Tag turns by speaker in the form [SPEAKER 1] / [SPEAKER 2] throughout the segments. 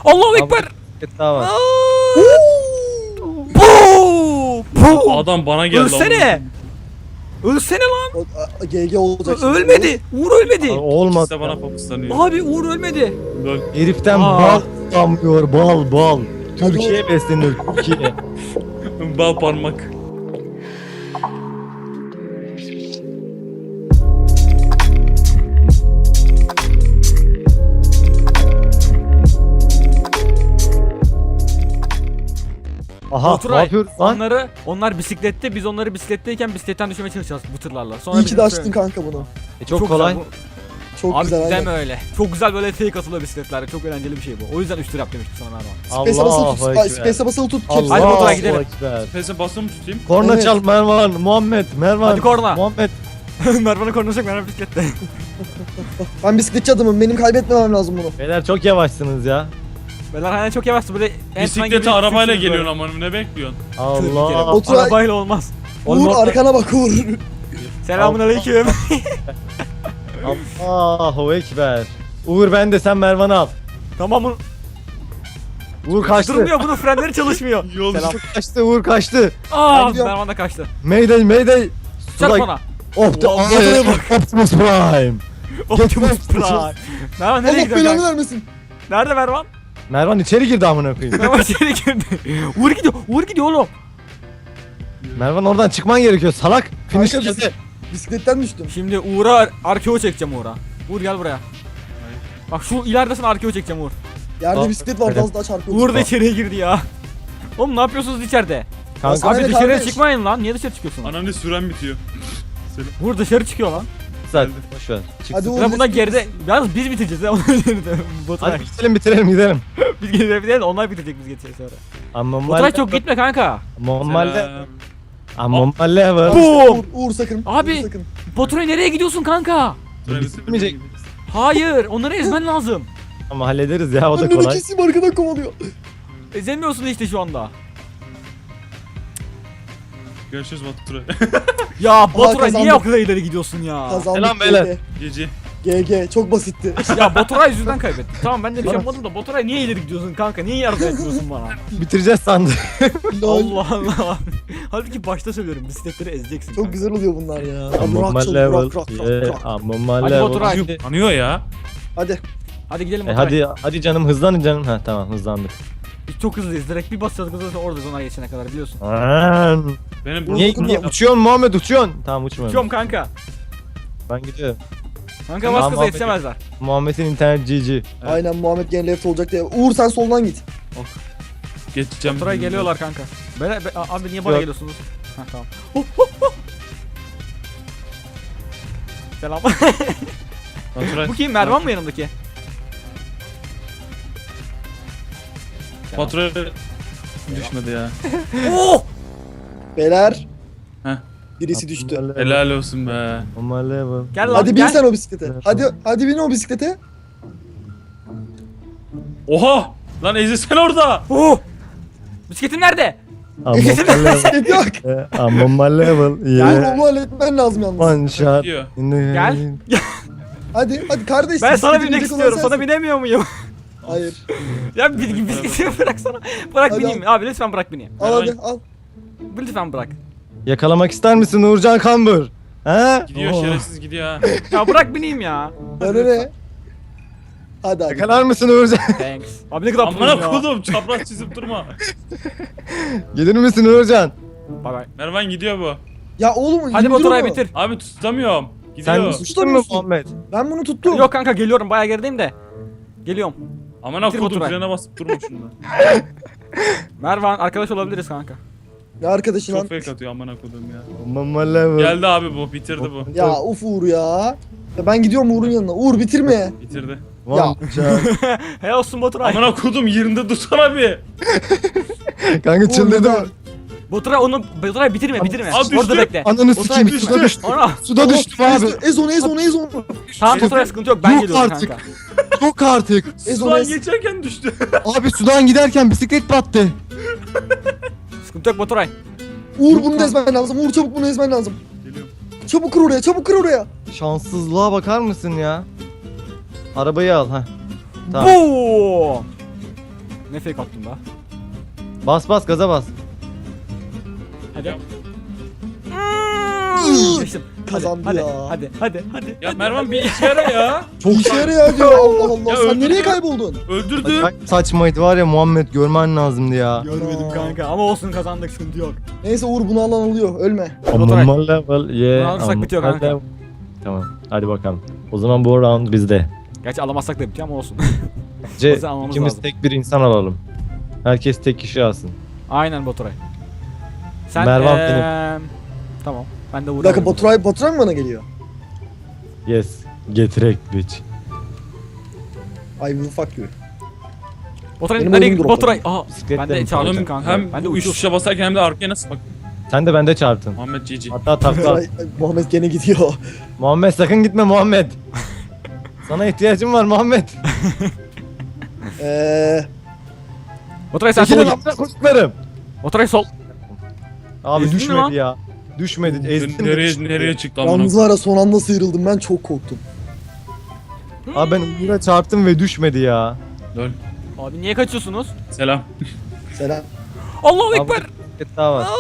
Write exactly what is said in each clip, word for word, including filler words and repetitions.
[SPEAKER 1] Allahu ekber.
[SPEAKER 2] Bisiklet daha var.
[SPEAKER 1] Bu! Bu!
[SPEAKER 3] Adam bana geldi.
[SPEAKER 1] Ölsene. Ölsene lan.
[SPEAKER 4] O- a- G G olacak şimdi.
[SPEAKER 1] Ölmedi. Uğur ölmedi.
[SPEAKER 2] Abi, olmaz.
[SPEAKER 3] İşte bana fokuslanıyor.
[SPEAKER 1] Abi Uğur ölmedi.
[SPEAKER 3] Lol.
[SPEAKER 2] Heriften
[SPEAKER 1] Aa.
[SPEAKER 2] bal damlıyor, bal bal.
[SPEAKER 4] Hadi
[SPEAKER 2] Türkiye beslenir, Türkiye.
[SPEAKER 3] Bal parmak.
[SPEAKER 2] Aha, ne
[SPEAKER 1] Baturay,
[SPEAKER 2] yapıyoruz lan?
[SPEAKER 1] onları, onlar bisiklette, biz onları bisikletteyken bisikletten düşmeye çalışacağız bu tırlarla. Sonra
[SPEAKER 4] İyi ki
[SPEAKER 1] bizim
[SPEAKER 4] de
[SPEAKER 1] tır-
[SPEAKER 4] açtın kanka bunu.
[SPEAKER 2] E, çok, kolay.
[SPEAKER 1] Güzel,
[SPEAKER 4] Çok
[SPEAKER 1] bu. Abi
[SPEAKER 4] güzel.
[SPEAKER 1] deme
[SPEAKER 4] aynen.
[SPEAKER 1] öyle. Çok güzel böyle fake atılıyor bisikletlerde. Çok eğlenceli bir şey bu. O yüzden üç tır yap demiştim sana Mervan.
[SPEAKER 4] Space'e basılı tut.
[SPEAKER 2] Allahu
[SPEAKER 4] Ay,
[SPEAKER 2] ekber.
[SPEAKER 4] Space'e basılı tut.
[SPEAKER 1] Hadi
[SPEAKER 2] Allahu
[SPEAKER 1] Baturay, gidelim.
[SPEAKER 2] ekber.
[SPEAKER 3] Pese basılı mı tutayım?
[SPEAKER 2] Korna
[SPEAKER 4] Evet.
[SPEAKER 2] çal Mervan, Muhammed, Mervan.
[SPEAKER 1] Hadi korna.
[SPEAKER 2] Muhammed.
[SPEAKER 1] Mervan'ı konuşacak, Mervan bisiklette.
[SPEAKER 4] Ben bisikletçi adamım. Benim kaybetmemem lazım bunu.
[SPEAKER 2] Beyler çok yavaşsınız ya.
[SPEAKER 1] Beyler hani çok yavaştı böyle. en son
[SPEAKER 3] Bisiklete
[SPEAKER 1] gibi
[SPEAKER 3] arabayla
[SPEAKER 1] sürüyorsunuz
[SPEAKER 3] geliyorsun
[SPEAKER 1] böyle.
[SPEAKER 3] amanım, ne bekliyorsun?
[SPEAKER 1] Tır bir kere
[SPEAKER 2] Allah.
[SPEAKER 1] bak.
[SPEAKER 4] Otur-
[SPEAKER 1] Arabayla olmaz.
[SPEAKER 4] Uğur
[SPEAKER 1] Olmaz.
[SPEAKER 4] arkana bak Uğur.
[SPEAKER 1] Selamun aleyküm.
[SPEAKER 2] Allahu ekber. Uğur ben de sen Mervan'ı al.
[SPEAKER 1] Tamam mı?
[SPEAKER 2] Uğur kaçtı.
[SPEAKER 1] Durmuyor, bunun frenleri çalışmıyor.
[SPEAKER 3] Yol
[SPEAKER 1] Selam.
[SPEAKER 2] Kaçtı, Uğur kaçtı.
[SPEAKER 1] Aa,
[SPEAKER 4] gidiyorum.
[SPEAKER 1] Mervan da kaçtı.
[SPEAKER 2] Mayday, mayday.
[SPEAKER 1] Çarp
[SPEAKER 2] Suda-
[SPEAKER 1] ona.
[SPEAKER 2] Of the
[SPEAKER 1] Vallahi
[SPEAKER 2] Optimus Prime.
[SPEAKER 1] Optimus Prime. Mervan nereye
[SPEAKER 4] Allah
[SPEAKER 1] gidiyorsun
[SPEAKER 4] belanı
[SPEAKER 1] kanka?
[SPEAKER 4] vermesin.
[SPEAKER 1] Nerede Mervan?
[SPEAKER 2] Mervan içeri girdi amına koyayım.
[SPEAKER 1] Mervan içeri girdi. Uğur gidiyor, Uğur gidiyor oğlum.
[SPEAKER 2] Mervan oradan çıkman gerekiyor salak. Finish
[SPEAKER 4] Kanka,
[SPEAKER 2] geldi.
[SPEAKER 4] Bisikletten düştüm.
[SPEAKER 1] Şimdi Uğur'a arkeo çekeceğim Uğur'a. Uğur gel buraya. Bak şu ileridesin, arkeo çekeceğim Uğur.
[SPEAKER 4] Yerde
[SPEAKER 2] Aa,
[SPEAKER 4] bisiklet var.
[SPEAKER 2] öyle.
[SPEAKER 4] Az daha çarpıyor.
[SPEAKER 1] Uğur da içeriye girdi ya. Oğlum ne yapıyorsunuz içeride?
[SPEAKER 2] Kanka
[SPEAKER 1] Abi
[SPEAKER 4] Aynen
[SPEAKER 1] dışarıya
[SPEAKER 4] kardeş.
[SPEAKER 1] çıkmayın lan. Niye dışarı çıkıyorsun?
[SPEAKER 3] Ananı süren bitiyor.
[SPEAKER 1] Uğur dışarı çıkıyor lan.
[SPEAKER 2] güzel. Boş ver. Çıksın.
[SPEAKER 4] Hadi Uğur.
[SPEAKER 1] Ben bundan
[SPEAKER 4] bisiklet-
[SPEAKER 1] geride... Yalnız biz bitireceğiz ya. Ondan geride. Baturay.
[SPEAKER 2] Hadi bitirelim bitirelim gidelim.
[SPEAKER 1] Biz geride bitirelim, onlar bitirecek biz geçeceğiz sonra.
[SPEAKER 2] Amma
[SPEAKER 1] Baturay çok gitme kanka.
[SPEAKER 2] Mammalle.
[SPEAKER 3] Selam.
[SPEAKER 2] Amma level.
[SPEAKER 1] Boom.
[SPEAKER 4] Uğur, Uğur sakın.
[SPEAKER 1] Abi.
[SPEAKER 4] Uğur sakın.
[SPEAKER 1] Baturay nereye gidiyorsun kanka?
[SPEAKER 2] Bitmeyecek.
[SPEAKER 1] Hayır, onları ezmen lazım.
[SPEAKER 2] Ama hallederiz ya o da
[SPEAKER 4] Önünü
[SPEAKER 2] kolay.
[SPEAKER 4] keseyim arkadan kovalıyor.
[SPEAKER 1] Ezemiyorsun işte şu anda.
[SPEAKER 3] Görüşürüz Baturay.
[SPEAKER 1] Ya Baturay
[SPEAKER 4] kazandık.
[SPEAKER 1] niye o kadar ileri gidiyorsun ya?
[SPEAKER 4] Kazandık.
[SPEAKER 2] Selam beyler.
[SPEAKER 3] Gece.
[SPEAKER 4] G G. Çok basitti.
[SPEAKER 1] Ya Baturay yüzünden kaybettik. Tamam ben de bir şey yapmadım da Baturay niye ileri gidiyorsun kanka? Niye yardım etmiyorsun bana?
[SPEAKER 2] Bitireceğiz sandık.
[SPEAKER 4] Lol.
[SPEAKER 1] Allah Allah. Halbuki başta söylüyorum, bisikletleri ezeceksin.
[SPEAKER 4] Çok güzel oluyor bunlar ya.
[SPEAKER 2] Amma
[SPEAKER 4] Rock, çok
[SPEAKER 2] level.
[SPEAKER 4] rock, rock, rock,
[SPEAKER 2] Yeah,
[SPEAKER 4] rock.
[SPEAKER 2] Amma
[SPEAKER 1] Hadi
[SPEAKER 2] level.
[SPEAKER 1] Baturay.
[SPEAKER 3] Anıyor ya.
[SPEAKER 4] Hadi.
[SPEAKER 1] Hadi gidelim
[SPEAKER 2] E,
[SPEAKER 1] Baturay.
[SPEAKER 2] hadi hadi canım hızlanın canım. Ha tamam hızlandık.
[SPEAKER 1] Biz çok hızlıyız. Direkt bir basacağız hızlı orada ona geçene kadar biliyorsun.
[SPEAKER 2] Aman.
[SPEAKER 3] Benim
[SPEAKER 2] Niye,
[SPEAKER 4] Uğur,
[SPEAKER 2] niye
[SPEAKER 4] dokunma.
[SPEAKER 2] uçuyorsun Muhammed uçuyorsun? Tamam uçmuyorum.
[SPEAKER 1] Uçuyorum kanka.
[SPEAKER 2] Ben gidiyorum.
[SPEAKER 1] Kanka
[SPEAKER 2] Tamam,
[SPEAKER 1] bas kıza
[SPEAKER 2] Muhammed-
[SPEAKER 1] yetişemezler.
[SPEAKER 2] Muhammed'in internet G G.
[SPEAKER 3] Evet.
[SPEAKER 4] Aynen Muhammed gene left olacak diye. Uğur sen soldan git.
[SPEAKER 3] geçeceğim.
[SPEAKER 1] Baturay geliyorlar kanka. Be, be, abi niye bana
[SPEAKER 2] Yok.
[SPEAKER 1] geliyorsunuz? Ha tamam. Selam.
[SPEAKER 3] Baturay.
[SPEAKER 1] Bu kim? Mervan mı yanımdaki? Selam.
[SPEAKER 3] Baturay düşmedi ya.
[SPEAKER 1] Oh!
[SPEAKER 4] Beyler.
[SPEAKER 3] Heh.
[SPEAKER 4] Birisi düştü.
[SPEAKER 3] Helal olsun be.
[SPEAKER 2] Amma level.
[SPEAKER 1] Gel lan
[SPEAKER 4] Hadi bin
[SPEAKER 1] gel.
[SPEAKER 4] sen o bisiklete. Hadi hadi bin o bisiklete.
[SPEAKER 3] Oha! Lan Ezi sen orada.
[SPEAKER 1] Oh! Bisikletim nerede?
[SPEAKER 2] Amma level.
[SPEAKER 4] Bisiklet yok.
[SPEAKER 2] Eh, Amma level.
[SPEAKER 4] Yani
[SPEAKER 2] Yeah.
[SPEAKER 4] onu halletmen lazım yalnız.
[SPEAKER 2] One shot.
[SPEAKER 3] Gidiyor.
[SPEAKER 2] in the-
[SPEAKER 1] Gel.
[SPEAKER 4] Hadi hadi kardeş.
[SPEAKER 1] Ben sana
[SPEAKER 4] bisiklete
[SPEAKER 1] binmek
[SPEAKER 4] binecek olan
[SPEAKER 1] istiyorum. Sana
[SPEAKER 4] sensin.
[SPEAKER 1] binemiyor muyum?
[SPEAKER 4] Hayır.
[SPEAKER 1] Ya bir bisikleti bırak sana. Bırak
[SPEAKER 4] Hadi
[SPEAKER 1] bineyim. Abi lütfen bırak bineyim.
[SPEAKER 4] Al hadi al.
[SPEAKER 1] Lütfen bırak.
[SPEAKER 2] Yakalamak ister misin Uğurcan Kambur? He?
[SPEAKER 3] Gidiyor
[SPEAKER 2] Oh.
[SPEAKER 3] şerefsiz gidiyor ha.
[SPEAKER 1] Ya bırak bineyim ya.
[SPEAKER 4] Bana ne? Hadi hadi.
[SPEAKER 2] Yakalar mısın Uğurcan?
[SPEAKER 1] Thanks. Abi ne kadar
[SPEAKER 3] Amına
[SPEAKER 1] mutluyum ya.
[SPEAKER 3] kodum çapraz çizip durma.
[SPEAKER 2] Gelir misin Uğurcan?
[SPEAKER 1] Bay bay.
[SPEAKER 3] Mervan gidiyor bu.
[SPEAKER 4] Ya oğlum
[SPEAKER 1] Hadi
[SPEAKER 4] indir
[SPEAKER 1] Baturay
[SPEAKER 4] onu.
[SPEAKER 1] bitir.
[SPEAKER 3] Abi tutamıyorum.
[SPEAKER 2] Sen
[SPEAKER 3] Gidiyor.
[SPEAKER 2] uçtun mu Muhammed?
[SPEAKER 4] Ben bunu tuttum.
[SPEAKER 1] Yok kanka geliyorum, bayağı gerideyim de. Geliyorum.
[SPEAKER 3] Amına
[SPEAKER 1] Bitir
[SPEAKER 3] kodum
[SPEAKER 1] Baturay.
[SPEAKER 3] frene basıp durma şunda.
[SPEAKER 1] Mervan arkadaş olabiliriz kanka.
[SPEAKER 4] Ne arkadaşı lan?
[SPEAKER 3] Çok fake atıyor amına kodum ya.
[SPEAKER 2] Amma level.
[SPEAKER 3] Geldi abi bu, bitirdi bu.
[SPEAKER 4] Ya uf Uğur ya. Ya ben gidiyorum Uğur'un yanına. Uğur bitirme.
[SPEAKER 3] Bitirdi.
[SPEAKER 2] One shot.
[SPEAKER 1] Hey olsun Baturay.
[SPEAKER 3] Amına kodum yerinde dursana bir.
[SPEAKER 2] Kanka çıldırdı
[SPEAKER 4] Uğur,
[SPEAKER 2] mı?
[SPEAKER 1] Baturay onu Baturay bitirme bitirme.
[SPEAKER 3] Aa, düştü.
[SPEAKER 1] Orada bekle.
[SPEAKER 2] Ananı
[SPEAKER 1] Baturay
[SPEAKER 2] sikeyim
[SPEAKER 1] bitirme.
[SPEAKER 2] suda düştü.
[SPEAKER 1] Ana.
[SPEAKER 2] Suda düştüm
[SPEAKER 4] Ez,
[SPEAKER 2] abi.
[SPEAKER 4] ez onu ez onu ez onu.
[SPEAKER 1] Tamam Baturay sıkıntı yok, ben
[SPEAKER 2] Yok
[SPEAKER 1] geliyorum
[SPEAKER 2] artık.
[SPEAKER 1] kanka.
[SPEAKER 2] Yok artık.
[SPEAKER 4] Ez onu
[SPEAKER 3] Sudan
[SPEAKER 4] ez.
[SPEAKER 3] geçerken düştü.
[SPEAKER 2] Abi sudan giderken bisiklet battı.
[SPEAKER 1] Sıkıntı yok Baturay.
[SPEAKER 4] Uğur bunu ezmen lazım. Uğur çabuk bunu ezmen lazım.
[SPEAKER 3] Geliyorum.
[SPEAKER 4] Çabuk kır oraya çabuk kır oraya.
[SPEAKER 2] Şanssızlığa bakar mısın ya? Arabayı al ha. Tamam.
[SPEAKER 1] Boom. Ne fake attın da?
[SPEAKER 2] Bas bas gaza bas.
[SPEAKER 1] Hadi.
[SPEAKER 4] Iıı,
[SPEAKER 1] Geçtim.
[SPEAKER 4] Kazandı
[SPEAKER 1] hadi,
[SPEAKER 4] ya.
[SPEAKER 1] Hadi hadi hadi.
[SPEAKER 3] Ya
[SPEAKER 1] hadi,
[SPEAKER 3] Mervan
[SPEAKER 1] hadi.
[SPEAKER 3] bir işe yara ya.
[SPEAKER 2] Çok
[SPEAKER 4] İşe yarıyor diyor Allah Allah.
[SPEAKER 3] Ya
[SPEAKER 4] Sen
[SPEAKER 3] öldürdü.
[SPEAKER 4] nereye kayboldun?
[SPEAKER 3] Öldürdün.
[SPEAKER 2] Acayip saçmaydı var ya Muhammed, görmen lazımdı ya.
[SPEAKER 1] Görmedim kanka ama olsun kazandık, sıkıntı yok.
[SPEAKER 4] Neyse Uğur bunu alan alıyor. Ölme.
[SPEAKER 1] Baturay.
[SPEAKER 2] Amma level yeah.
[SPEAKER 1] Bunu alırsak
[SPEAKER 2] amma
[SPEAKER 1] bitiyor kanka.
[SPEAKER 2] level. Tamam hadi bakalım. O zaman bu round bizde.
[SPEAKER 1] Gerçi alamazsak da bitiyor ama olsun.
[SPEAKER 2] C
[SPEAKER 1] Bizi almamız
[SPEAKER 2] ikimiz
[SPEAKER 1] lazım.
[SPEAKER 2] tek bir insan alalım. Herkes tek kişi alsın.
[SPEAKER 1] Aynen Baturay. Sen
[SPEAKER 2] Mervan
[SPEAKER 1] eee,
[SPEAKER 2] benim.
[SPEAKER 1] Tamam. Ben de
[SPEAKER 4] Bir dakika
[SPEAKER 1] vuruyorum.
[SPEAKER 4] Baturay, Baturay mı bana geliyor?
[SPEAKER 2] Yes. Getirek bitch.
[SPEAKER 4] I will fuck you.
[SPEAKER 1] Baturay
[SPEAKER 4] Benim
[SPEAKER 1] nereye
[SPEAKER 4] oyunum
[SPEAKER 1] gitti?
[SPEAKER 4] drop'ladı.
[SPEAKER 1] Baturay. Aha.
[SPEAKER 2] Bisikletle
[SPEAKER 1] Ben de
[SPEAKER 2] mi
[SPEAKER 1] çarptım
[SPEAKER 3] Oğlum
[SPEAKER 1] kanka.
[SPEAKER 3] hem
[SPEAKER 1] ben de
[SPEAKER 3] uç
[SPEAKER 1] uçuş.
[SPEAKER 3] tuşa basarken hem de arkaya nasıl bak.
[SPEAKER 2] Sen de bende çarptın.
[SPEAKER 3] Muhammed Cici.
[SPEAKER 2] Hatta takla.
[SPEAKER 4] Baturay, Muhammed gene gidiyor.
[SPEAKER 2] Muhammed sakın gitme Muhammed. Sana ihtiyacım var Muhammed.
[SPEAKER 4] Eee...
[SPEAKER 1] Baturay sen
[SPEAKER 2] Çekilin
[SPEAKER 1] sola git.
[SPEAKER 2] amına koyduklarım.
[SPEAKER 1] Baturay sol.
[SPEAKER 2] Abi
[SPEAKER 1] Ezdin mi
[SPEAKER 2] düşmedi
[SPEAKER 1] lan?
[SPEAKER 2] ya. Düşmedi. Ezdim de
[SPEAKER 3] Nereye
[SPEAKER 2] düşmedi.
[SPEAKER 3] nereye çıktı amına?
[SPEAKER 4] Yalnız var ya son anda sıyrıldım ben çok korktum.
[SPEAKER 2] Abi ben Uğur'a çarptım ve düşmedi ya.
[SPEAKER 3] Lol.
[SPEAKER 1] Abi niye kaçıyorsunuz?
[SPEAKER 3] Selam.
[SPEAKER 4] Selam.
[SPEAKER 1] Allahu
[SPEAKER 2] Abi,
[SPEAKER 1] ekber.
[SPEAKER 2] bir daha var.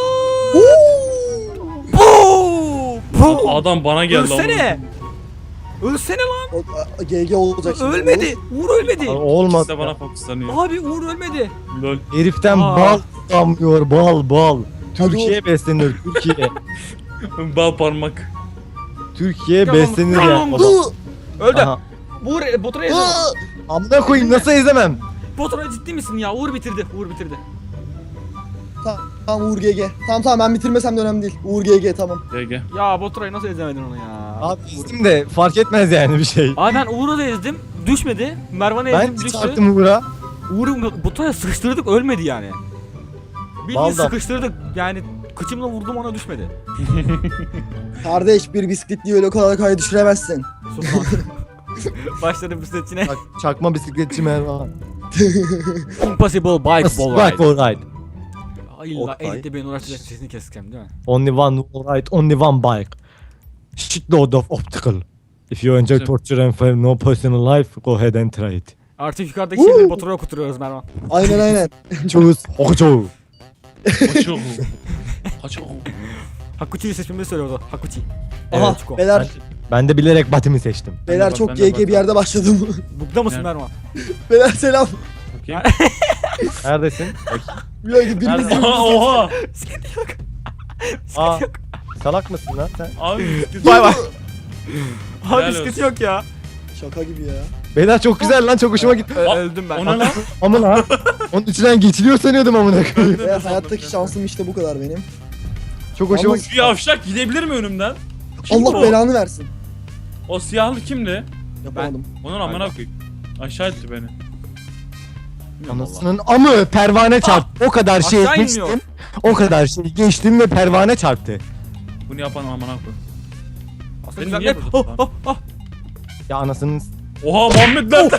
[SPEAKER 1] Boo! Boo!
[SPEAKER 3] Adam bana geldi
[SPEAKER 1] Ölsene. Ölsene lan.
[SPEAKER 4] O, a- G G olacak şimdi.
[SPEAKER 1] Ölmedi. Uğur ölmedi.
[SPEAKER 2] Abi,
[SPEAKER 3] Olmadı.
[SPEAKER 2] olmadı.
[SPEAKER 3] İkisi de bana fokuslanıyor.
[SPEAKER 1] Abi Uğur ölmedi.
[SPEAKER 3] Lol.
[SPEAKER 2] Heriften
[SPEAKER 1] Aa.
[SPEAKER 2] bal damlıyor, bal bal. Türkiye
[SPEAKER 4] Hadi
[SPEAKER 2] beslenir, Türkiye.
[SPEAKER 3] Bal parmak.
[SPEAKER 2] Türkiye
[SPEAKER 1] Tamam,
[SPEAKER 2] beslenir
[SPEAKER 1] tamam.
[SPEAKER 2] ya.
[SPEAKER 4] Dur.
[SPEAKER 1] Öldü.
[SPEAKER 2] Aha.
[SPEAKER 1] Uğur e, Baturay'a ezemem.
[SPEAKER 4] Aa!
[SPEAKER 2] Amına koyayım nasıl ezemem?
[SPEAKER 1] Baturay ciddi misin ya? Uğur bitirdi. Uğur bitirdi.
[SPEAKER 4] Tamam, tamam Uğur G G. Tamam tamam ben bitirmesem de önemli değil. Uğur G G tamam.
[SPEAKER 3] G G.
[SPEAKER 1] Ya Baturay nasıl ezemedin onu ya?
[SPEAKER 2] Abi ezdim de fark etmez yani bir şey.
[SPEAKER 1] Abi ben Uğur'u da ezdim. Düşmedi. Mervan'ı
[SPEAKER 2] Ben
[SPEAKER 1] ezdim. Düştü.
[SPEAKER 2] çarptım Uğur'a.
[SPEAKER 1] Uğur'u Baturay'a sıkıştırdık, ölmedi yani. Bildiğin
[SPEAKER 2] Vallahi.
[SPEAKER 1] sıkıştırdık. Yani kıçımla vurdum, ona düşmedi.
[SPEAKER 4] Kardeş bir bisikletliyi öyle kolay kolay düşüremezsin.
[SPEAKER 1] Sus lan. Başladım bisikletçine.
[SPEAKER 2] Bak, çakma bisikletçi Mervan.
[SPEAKER 1] Impossible bike ball
[SPEAKER 2] Bike
[SPEAKER 1] ride.
[SPEAKER 2] ball ride.
[SPEAKER 1] Ay illa
[SPEAKER 4] Oktay.
[SPEAKER 1] editte beni uğraşacak, sesini keseceğim değil mi?
[SPEAKER 2] Only one ride, only one bike. Shitload of obstacle. If you enjoy
[SPEAKER 3] Güzel.
[SPEAKER 2] torture and fear no personal life, go ahead and try it.
[SPEAKER 1] Artık yukarıdaki şeyleri Baturay'a okuturuyoruz Mervan.
[SPEAKER 4] Aynen aynen.
[SPEAKER 2] Choose Hokucho.
[SPEAKER 3] Kaçıyor. Kaçıyor.
[SPEAKER 1] Hakuchi'yi seçmemi söylüyordu. Hakuchi.
[SPEAKER 4] Aha
[SPEAKER 1] Evet, Çiko.
[SPEAKER 4] beyler
[SPEAKER 2] Ben de bilerek Batim'i seçtim.
[SPEAKER 4] beyler
[SPEAKER 3] bak,
[SPEAKER 4] çok
[SPEAKER 3] ben de
[SPEAKER 4] G G
[SPEAKER 3] bak.
[SPEAKER 4] bir yerde başladım.
[SPEAKER 1] Bugda mısın
[SPEAKER 3] Yani.
[SPEAKER 1] Mervan?
[SPEAKER 4] Beyler selam.
[SPEAKER 3] Bakayım.
[SPEAKER 2] Neredesin?
[SPEAKER 4] Bir dakika biriniz
[SPEAKER 2] Nerede?
[SPEAKER 3] Aha, oha.
[SPEAKER 1] Bisiklet yok.
[SPEAKER 2] Aa,
[SPEAKER 1] Bisiklet yok.
[SPEAKER 2] salak mısın lan sen?
[SPEAKER 3] Abi.
[SPEAKER 1] Bay bay.
[SPEAKER 3] Helal
[SPEAKER 1] Abi bisiklet
[SPEAKER 3] olsun.
[SPEAKER 1] yok ya.
[SPEAKER 4] Şaka gibi ya.
[SPEAKER 2] Beyler çok güzel lan, çok hoşuma gitti.
[SPEAKER 1] Ö-
[SPEAKER 3] Aa,
[SPEAKER 1] öldüm ben.
[SPEAKER 3] O ne lan?
[SPEAKER 2] Ama lan onun içinden geçiliyor sanıyordum amına koyayım.
[SPEAKER 3] Ben de
[SPEAKER 4] Ve
[SPEAKER 3] sandım
[SPEAKER 4] hayattaki
[SPEAKER 3] ya.
[SPEAKER 4] şansım işte bu kadar benim.
[SPEAKER 2] Çok hoşuma
[SPEAKER 4] Ama-
[SPEAKER 2] gitti.
[SPEAKER 3] Şu yavşak gidebilir mi önümden? Kim
[SPEAKER 4] Allah
[SPEAKER 3] o?
[SPEAKER 4] belanı versin.
[SPEAKER 3] O siyahlı kimdi?
[SPEAKER 4] Yapamadım.
[SPEAKER 3] Onun amına koyayım. Aşağı etti beni.
[SPEAKER 2] Anasının amı pervane çarptı. O kadar şey
[SPEAKER 1] Aşağı
[SPEAKER 2] geçtim.
[SPEAKER 1] inmiyor.
[SPEAKER 2] O kadar şey geçtim ve pervane çarptı.
[SPEAKER 3] Bunu yapan amına koyayım.
[SPEAKER 1] Aslında
[SPEAKER 3] Beni
[SPEAKER 1] güzel.
[SPEAKER 3] niye
[SPEAKER 1] Ne?
[SPEAKER 3] burada
[SPEAKER 1] Oh,
[SPEAKER 3] tutan?
[SPEAKER 1] oh, oh.
[SPEAKER 2] Ya anasının
[SPEAKER 3] Oha Muhammed lan.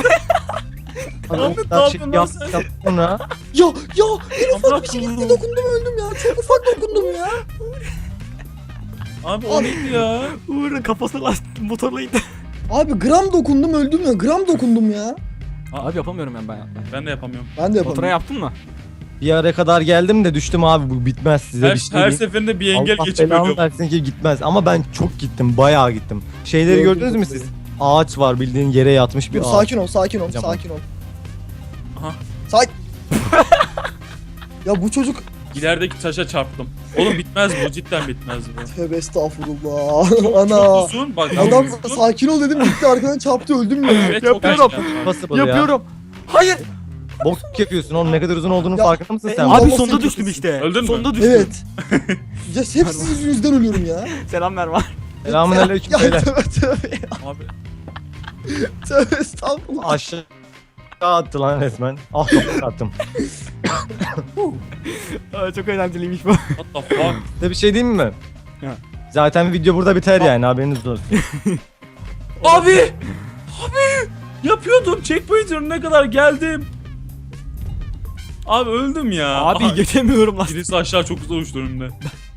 [SPEAKER 2] Muhammed
[SPEAKER 3] ne yapıyorsun lan sen?
[SPEAKER 2] Sonra
[SPEAKER 4] Ya ya en
[SPEAKER 3] Amına
[SPEAKER 4] ufak bir şey
[SPEAKER 3] koyayım.
[SPEAKER 4] gitti dokundum öldüm ya. Çok ufak dokundum ya.
[SPEAKER 3] Abi o neydi ya?
[SPEAKER 1] Uğur'un kafasına lastik motorla indi.
[SPEAKER 4] Abi gram dokundum öldüm ya. Gram dokundum ya.
[SPEAKER 1] Abi yapamıyorum ben ben.
[SPEAKER 3] Ben de yapamıyorum.
[SPEAKER 4] Ben de yapamadım.
[SPEAKER 1] Baturay'a yaptın mı?
[SPEAKER 2] bir yere kadar geldim de düştüm abi, bu bitmez size
[SPEAKER 3] Her,
[SPEAKER 2] bir şey
[SPEAKER 3] her
[SPEAKER 2] diyeyim.
[SPEAKER 3] seferinde bir engel
[SPEAKER 2] Allah
[SPEAKER 3] geçip
[SPEAKER 2] belanı
[SPEAKER 3] ölüyorum.
[SPEAKER 2] versin ki gitmez ama ben çok gittim, bayağı gittim. Şeyleri
[SPEAKER 4] Gördüm
[SPEAKER 2] gördünüz mü
[SPEAKER 4] doktoru.
[SPEAKER 2] siz? Ağaç var, bildiğin yere yatmış bir
[SPEAKER 4] Dur,
[SPEAKER 2] ağaç.
[SPEAKER 4] sakin ol, sakin ol,
[SPEAKER 2] Tamam.
[SPEAKER 4] sakin ol.
[SPEAKER 3] Aha.
[SPEAKER 4] Sakin. Ya bu çocuk
[SPEAKER 3] İlerideki taşa çarptım. Oğlum bitmez bu, cidden bitmez bu.
[SPEAKER 4] tövbe estağfurullah.
[SPEAKER 3] Çok
[SPEAKER 4] Ana.
[SPEAKER 3] uzun bak.
[SPEAKER 4] Adam
[SPEAKER 3] çok uzun.
[SPEAKER 4] sakin ol dedim gitti arkadan çarptı öldüm ya.
[SPEAKER 3] Evet, çok
[SPEAKER 1] Yapıyorum.
[SPEAKER 3] gerçekten.
[SPEAKER 2] Possible ya.
[SPEAKER 1] Yapıyorum. Hayır.
[SPEAKER 2] Bok yapıyorsun oğlum, ne kadar uzun olduğunun
[SPEAKER 4] Ya,
[SPEAKER 2] farkında mısın
[SPEAKER 4] e,
[SPEAKER 2] sen?
[SPEAKER 4] Abi
[SPEAKER 1] Abi
[SPEAKER 4] babası
[SPEAKER 1] sonda
[SPEAKER 4] yapıyorsun.
[SPEAKER 1] düştüm işte.
[SPEAKER 3] Öldün mü?
[SPEAKER 1] Sonda düştüm.
[SPEAKER 4] Evet. Ya hep sizin yüzünüzden ölüyorum ya.
[SPEAKER 1] Selam Mervan.
[SPEAKER 2] Selamünaleyküm
[SPEAKER 4] Ya
[SPEAKER 2] beyler.
[SPEAKER 4] tövbe tövbe ya.
[SPEAKER 3] Abi
[SPEAKER 4] Tövbe estağfurullah.
[SPEAKER 2] Aşağı attı lan resmen. Ah kafayı attım.
[SPEAKER 1] Aa, çok eğlenceliymiş bu.
[SPEAKER 3] what the fuck?
[SPEAKER 2] Size bir şey diyeyim mi?
[SPEAKER 1] Ha.
[SPEAKER 2] Zaten video burada biter yani, haberiniz olsun.
[SPEAKER 3] Abi! Abi! Yapıyordum. Checkpoint önüne kadar geldim. Abi öldüm ya.
[SPEAKER 1] Abi
[SPEAKER 3] Aha,
[SPEAKER 1] geçemiyorum lan.
[SPEAKER 3] birisi aşağı çok hızlı uçtu önümde.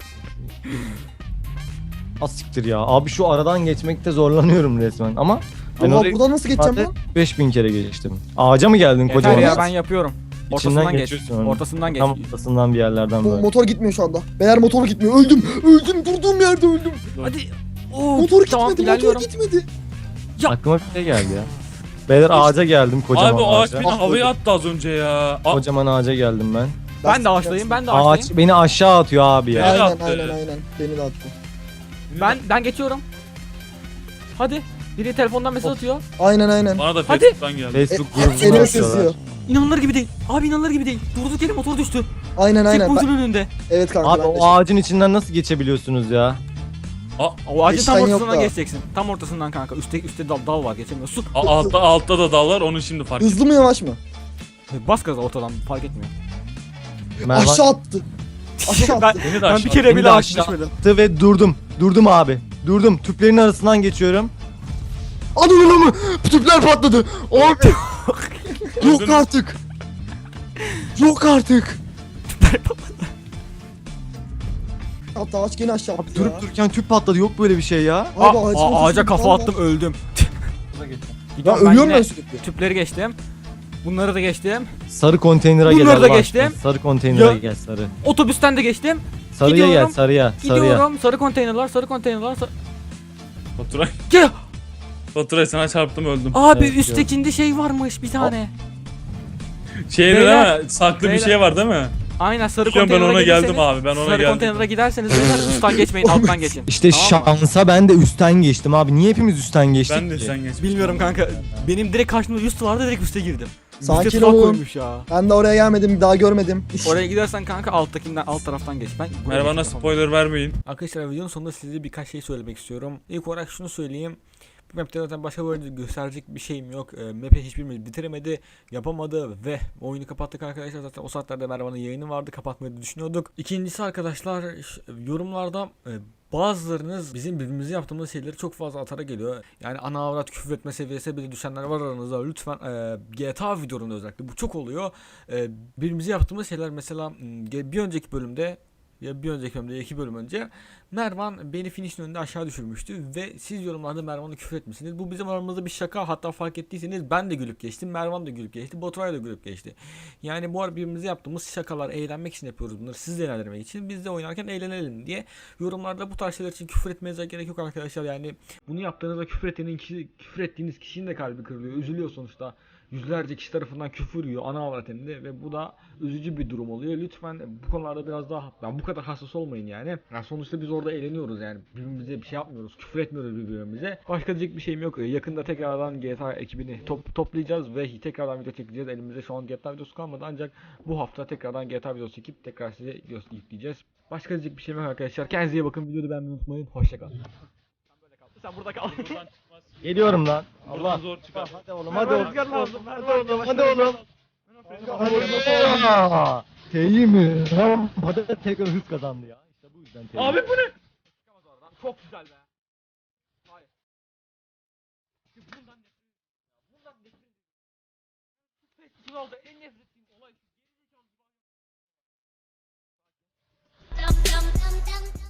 [SPEAKER 2] Az siktir ya. Abi şu aradan geçmekte zorlanıyorum resmen ama ben
[SPEAKER 4] Oha
[SPEAKER 2] orayı
[SPEAKER 4] buradan nasıl geçeceğim lan?
[SPEAKER 2] beş bin kere geçtim. Ağaca mı geldin
[SPEAKER 1] Yeter
[SPEAKER 2] kocaman?
[SPEAKER 1] ya, ben yapıyorum. Ortasından geç.
[SPEAKER 2] geçiyorsun onu.
[SPEAKER 1] Ortasından geç.
[SPEAKER 2] Tam ortasından bir yerlerden
[SPEAKER 4] Bu
[SPEAKER 2] böyle.
[SPEAKER 4] motor gitmiyor şu anda. Beyler motor gitmiyor. Öldüm. Öldüm. Durduğum yerde öldüm.
[SPEAKER 1] Hadi. Oo,
[SPEAKER 4] Motor
[SPEAKER 1] tamam,
[SPEAKER 4] gitmedi. Motor
[SPEAKER 1] ilerliyorum.
[SPEAKER 4] gitmedi.
[SPEAKER 2] Aklıma bir şey geldi ya. Beyler ağaca geldim, kocaman
[SPEAKER 3] Abi o ağaç
[SPEAKER 2] ağaca.
[SPEAKER 3] beni havaya attı az önce ya. A-
[SPEAKER 2] Kocaman ağaca geldim ben.
[SPEAKER 1] Ben de ağaçtayım. Ben de ağaçtayım.
[SPEAKER 2] Ağaç beni aşağı atıyor abi ya.
[SPEAKER 3] Beni
[SPEAKER 4] Aynen
[SPEAKER 3] attı.
[SPEAKER 4] aynen aynen. Beni de attı.
[SPEAKER 1] Ben ben geçiyorum. Hadi. Biri telefondan mesaj atıyor.
[SPEAKER 4] Aynen aynen.
[SPEAKER 3] Bana da
[SPEAKER 1] Hadi.
[SPEAKER 3] Facebook'tan geldi.
[SPEAKER 2] Facebook
[SPEAKER 4] E,
[SPEAKER 2] grubuna
[SPEAKER 4] Elime
[SPEAKER 2] atıyorlar.
[SPEAKER 4] sızıyor.
[SPEAKER 1] İnanılır gibi değil. Abi inanılır gibi değil. Durduk yere motor düştü.
[SPEAKER 4] Aynen aynen.
[SPEAKER 1] Checkpoint'un önünde.
[SPEAKER 4] Evet kanka
[SPEAKER 2] Abi
[SPEAKER 4] ben de
[SPEAKER 2] o ağacın içinden nasıl geçebiliyorsunuz ya?
[SPEAKER 1] O ağacın tam
[SPEAKER 4] Geçten yok
[SPEAKER 1] ortasından
[SPEAKER 4] da.
[SPEAKER 1] geçeceksin. Tam ortasından kanka. Üstte üstte dal, dal var geçemiyorsun.
[SPEAKER 3] A- altta, altta da dal var onu şimdi fark ettim.
[SPEAKER 4] Hızlı mı yavaş mı?
[SPEAKER 1] Bas gaza ortadan fark etmiyor.
[SPEAKER 2] Mervan
[SPEAKER 4] Aşağı attı. Aşağı
[SPEAKER 1] ben,
[SPEAKER 4] attı.
[SPEAKER 3] Beni de
[SPEAKER 1] ben
[SPEAKER 3] aşağı
[SPEAKER 1] bir kere
[SPEAKER 2] Beni
[SPEAKER 1] bile
[SPEAKER 2] de
[SPEAKER 1] ağaç
[SPEAKER 2] aşağı
[SPEAKER 1] düşmedim.
[SPEAKER 2] attı ve durdum. Durdum abi. Durdum. Tüplerin arasından geçiyorum. Ananı mı? Tüpler patladı. Abi. Yok
[SPEAKER 3] Öldün mü?
[SPEAKER 2] artık. Yok artık.
[SPEAKER 4] Hatta ağaç gene aşağı
[SPEAKER 2] Abi
[SPEAKER 4] attı
[SPEAKER 2] durup
[SPEAKER 4] ya.
[SPEAKER 2] dururken tüp patladı. Yok böyle bir şey ya.
[SPEAKER 1] Aa,
[SPEAKER 4] Abi ağacın
[SPEAKER 1] aa, ağaca
[SPEAKER 4] ortasında
[SPEAKER 1] kafa
[SPEAKER 4] dal var.
[SPEAKER 1] attım öldüm.
[SPEAKER 4] Ya
[SPEAKER 1] Gidiyorum
[SPEAKER 4] ölüyorum
[SPEAKER 1] yine
[SPEAKER 4] ben sürekli.
[SPEAKER 1] Tüpleri geçtim. Bunları da geçtim.
[SPEAKER 2] Sarı konteynere gel.
[SPEAKER 1] Bunları da
[SPEAKER 2] Allah
[SPEAKER 1] geçtim.
[SPEAKER 2] aşkına. Sarı konteynere
[SPEAKER 1] Ya.
[SPEAKER 2] gel sarı.
[SPEAKER 1] Otobüsten de geçtim.
[SPEAKER 2] Sarıya gel
[SPEAKER 1] Gidiyorum.
[SPEAKER 2] sarıya. Sarıya.
[SPEAKER 1] Gidiyorum. Sarı konteynerlar, sarı konteynerlar. Sar...
[SPEAKER 3] Baturay,
[SPEAKER 1] Gel.
[SPEAKER 3] Baturay sana çarptım öldüm.
[SPEAKER 1] Abi
[SPEAKER 2] Evet,
[SPEAKER 1] üsttekinde şey varmış bir tane.
[SPEAKER 3] Şeyde
[SPEAKER 1] Beyler,
[SPEAKER 3] değil mi? Saklı bir
[SPEAKER 1] beyler.
[SPEAKER 3] şey var değil mi?
[SPEAKER 1] Aynen sarı
[SPEAKER 3] Şu an ben
[SPEAKER 1] konteynere
[SPEAKER 3] ona
[SPEAKER 1] gelirseniz-
[SPEAKER 3] geldim abi. Ben ona
[SPEAKER 1] sarı
[SPEAKER 3] geldim.
[SPEAKER 1] konteynere giderseniz beyler üstten geçmeyin alttan geçin.
[SPEAKER 2] İşte
[SPEAKER 1] Tamam mı?
[SPEAKER 2] şansa ben de üstten geçtim abi. Niye hepimiz üstten geçtik
[SPEAKER 3] Ben de
[SPEAKER 2] ki?
[SPEAKER 3] sen geç.
[SPEAKER 1] Bilmiyorum kanka. Benim direkt karşımda üst vardı direkt üste girdim.
[SPEAKER 4] Sakin
[SPEAKER 1] Üste tuzak
[SPEAKER 4] olun.
[SPEAKER 1] koymuş ya.
[SPEAKER 4] Ben de oraya gelmedim. Daha görmedim.
[SPEAKER 1] Oraya gidersen kanka alttakinden alt taraftan geç. Ben buraya
[SPEAKER 3] Mervan'a
[SPEAKER 1] geçtim.
[SPEAKER 3] spoiler vermeyin.
[SPEAKER 1] Arkadaşlar videonun sonunda size birkaç şey söylemek istiyorum. İlk olarak şunu söyleyeyim. Bu map'te zaten başka böyle gösterecek bir şeyim yok. E, map'i hiçbirimiz bitiremedi, yapamadı ve oyunu kapattık arkadaşlar. Zaten o saatlerde Mervan'ın yayını vardı, kapatmayı da düşünüyorduk. İkincisi arkadaşlar ş- yorumlarda e, bazılarınız bizim birbirimize yaptığımız şeyleri çok fazla atara geliyor. Yani ana avrat küfür etme seviyesine bile düşenler var aranızda. Lütfen e, G T A videolarında özellikle bu çok oluyor. E, birbirimize yaptığımız şeyler mesela m, bir önceki bölümde ya bir önceki bölümde iki bölüm önce Mervan beni finish'in önünde aşağı düşürmüştü ve siz yorumlarda Mervan'a küfür etmişsiniz. Bu bizim aramızda bir şaka, hatta fark ettiyseniz ben de gülüp geçtim, Mervan da gülüp geçti, Baturay da gülüp geçti. Yani bu ara birbirimize yaptığımız şakalar, eğlenmek için yapıyoruz bunları, siz de eğlendirmek için, biz de oynarken eğlenelim diye. Yorumlarda bu tarz şeyler için küfür etmenize gerek yok arkadaşlar. Yani bunu yaptığınızda küfür ettiğiniz kişi, küfür ettiğiniz kişinin de kalbi kırılıyor, üzülüyor sonuçta. Yüzlerce kişi tarafından küfür yiyor ana avrat hem de ve bu da üzücü bir durum oluyor. Lütfen bu konularda biraz daha yani bu kadar hassas olmayın yani. Yani sonuçta biz orada eğleniyoruz yani. Birbirimize bir şey yapmıyoruz. Küfür etmiyoruz birbirimize. Başka diyecek bir şeyim yok. Yakında tekrardan G T A ekibini top, toplayacağız ve tekrardan video çekeceğiz. Elimizde şu an G T A videosu kalmadı ancak bu hafta tekrardan G T A videosu çekip tekrar size video yükleyeceğiz. Başka diyecek bir şeyim yok arkadaşlar. Kendinize iyi bakın. Videoyu beğenmeyi unutmayın. Hoşçakalın. Sen burada kal.
[SPEAKER 3] Buradan çıkmaz.
[SPEAKER 2] Geliyorum lan.
[SPEAKER 3] Buradan zor çıkar.
[SPEAKER 2] Hadi oğlum hadi oğlum.
[SPEAKER 1] Rüzgar lazım.
[SPEAKER 2] Hadi oğlum hadi oğlum. Aa, T'yi mi? Rampada tekrar hız kazandı ya. İşte bu yüzden T'yi.
[SPEAKER 3] Abi bu ne?
[SPEAKER 1] Çok güzel be. Hayır. Bundan nefret Bundan nefret ediyorum. En nefret ettiğim olay